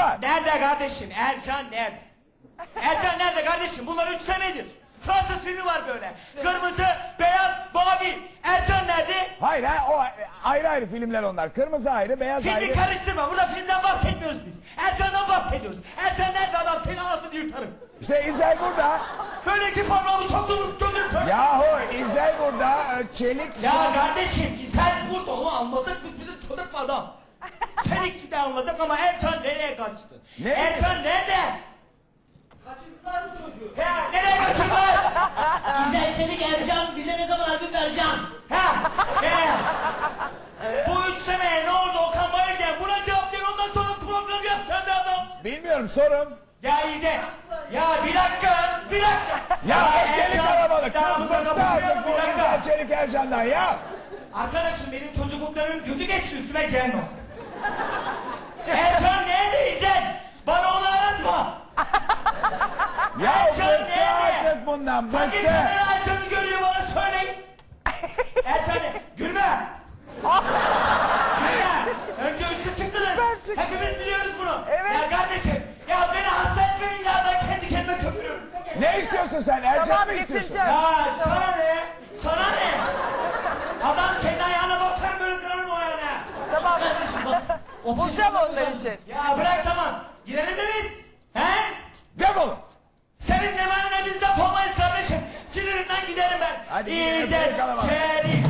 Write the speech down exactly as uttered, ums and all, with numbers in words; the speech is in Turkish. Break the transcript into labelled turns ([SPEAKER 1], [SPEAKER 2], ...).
[SPEAKER 1] var.
[SPEAKER 2] Nerede kardeşim? Ercan nerede? Ercan nerede kardeşim? Bunlar üçlemedir. Fransız filmi var böyle. Kırmızı, beyaz, mavi. Ercan nerede?
[SPEAKER 1] Hayır ha, o ayrı ayrı filmler onlar. Kırmızı ayrı, beyaz
[SPEAKER 2] Filmi
[SPEAKER 1] ayrı.
[SPEAKER 2] karıştırma. Burada filmden bahsetmiyoruz biz. Ercan'dan bahsediyoruz. Ercan nerede adam? Senin anasını yırtarım.
[SPEAKER 1] İşte İzel burada.
[SPEAKER 2] Böyle iki parmağımı sokturup gözünü kör.
[SPEAKER 1] Yahu İzel burada, Çelik...
[SPEAKER 2] Ya kardeşim sen burada onu anladık. Biz bizi çocuk adam. Çelik'i de anladık ama Ercan nereye kaçtı?
[SPEAKER 1] Ne?
[SPEAKER 2] Ercan nerede? Kaçırdılar mı çocuğu? Ya nereye kaçırdılar?
[SPEAKER 3] İzel Çelik Ercan bize ne zaman albüm vereceksin?
[SPEAKER 2] Ha? He? Bu üçlemeye ne oldu Okan Bayülgen? Buna cevap ver ondan sonra program yapacağım be adam.
[SPEAKER 1] Bilmiyorum, sorun.
[SPEAKER 2] Ya İzzet. Ya bir dakika. Bir dakika.
[SPEAKER 1] Ya
[SPEAKER 2] Ercan,
[SPEAKER 1] deli kalabalık.
[SPEAKER 2] daha
[SPEAKER 1] Kız
[SPEAKER 2] burada
[SPEAKER 1] bıktı
[SPEAKER 2] kapışmayalım,
[SPEAKER 1] artık bu
[SPEAKER 2] bir dakika.
[SPEAKER 1] İzel Çelik Ercan'dan ya.
[SPEAKER 2] Arkadaşım benim çocukluklarım kötü geçti üstüme gelme. Ercan nerede İzzet? Bana onu anlatma.
[SPEAKER 1] Ya
[SPEAKER 2] Ercan
[SPEAKER 1] bıktı
[SPEAKER 2] nerede?
[SPEAKER 1] artık bundan,
[SPEAKER 2] Hangi
[SPEAKER 1] bıktı.
[SPEAKER 2] kamera Ercan'ı görüyor bana söyleyin. Ercan ne? Gülme. Gülme. Önce üstü çıktınız. Hepimiz biliyoruz bunu.
[SPEAKER 4] Evet.
[SPEAKER 2] Ya kardeşim. Ya beni hasta etmeyin ya ben kendi kendime köpürüyorum.
[SPEAKER 1] Ne istiyorsun sen? Ercan
[SPEAKER 4] Tamam,
[SPEAKER 1] mı istiyorsun?
[SPEAKER 4] getireceğim.
[SPEAKER 2] Ya sana ne? Sana ne? Adam senin ayağına basar böyle kırarım o ayağına.
[SPEAKER 4] Tamam.
[SPEAKER 2] Kardeşim bak.
[SPEAKER 4] Bulacağım onlar için.
[SPEAKER 2] Ya bırak tamam. Girelim mi biz? He?
[SPEAKER 1] Defolun.
[SPEAKER 2] Senin ne benimle biz defolmayız kardeşim. Sinirinden giderim ben.
[SPEAKER 1] Hadi gidelim,
[SPEAKER 2] İzzet
[SPEAKER 1] bırakalım abi.
[SPEAKER 2] Çelik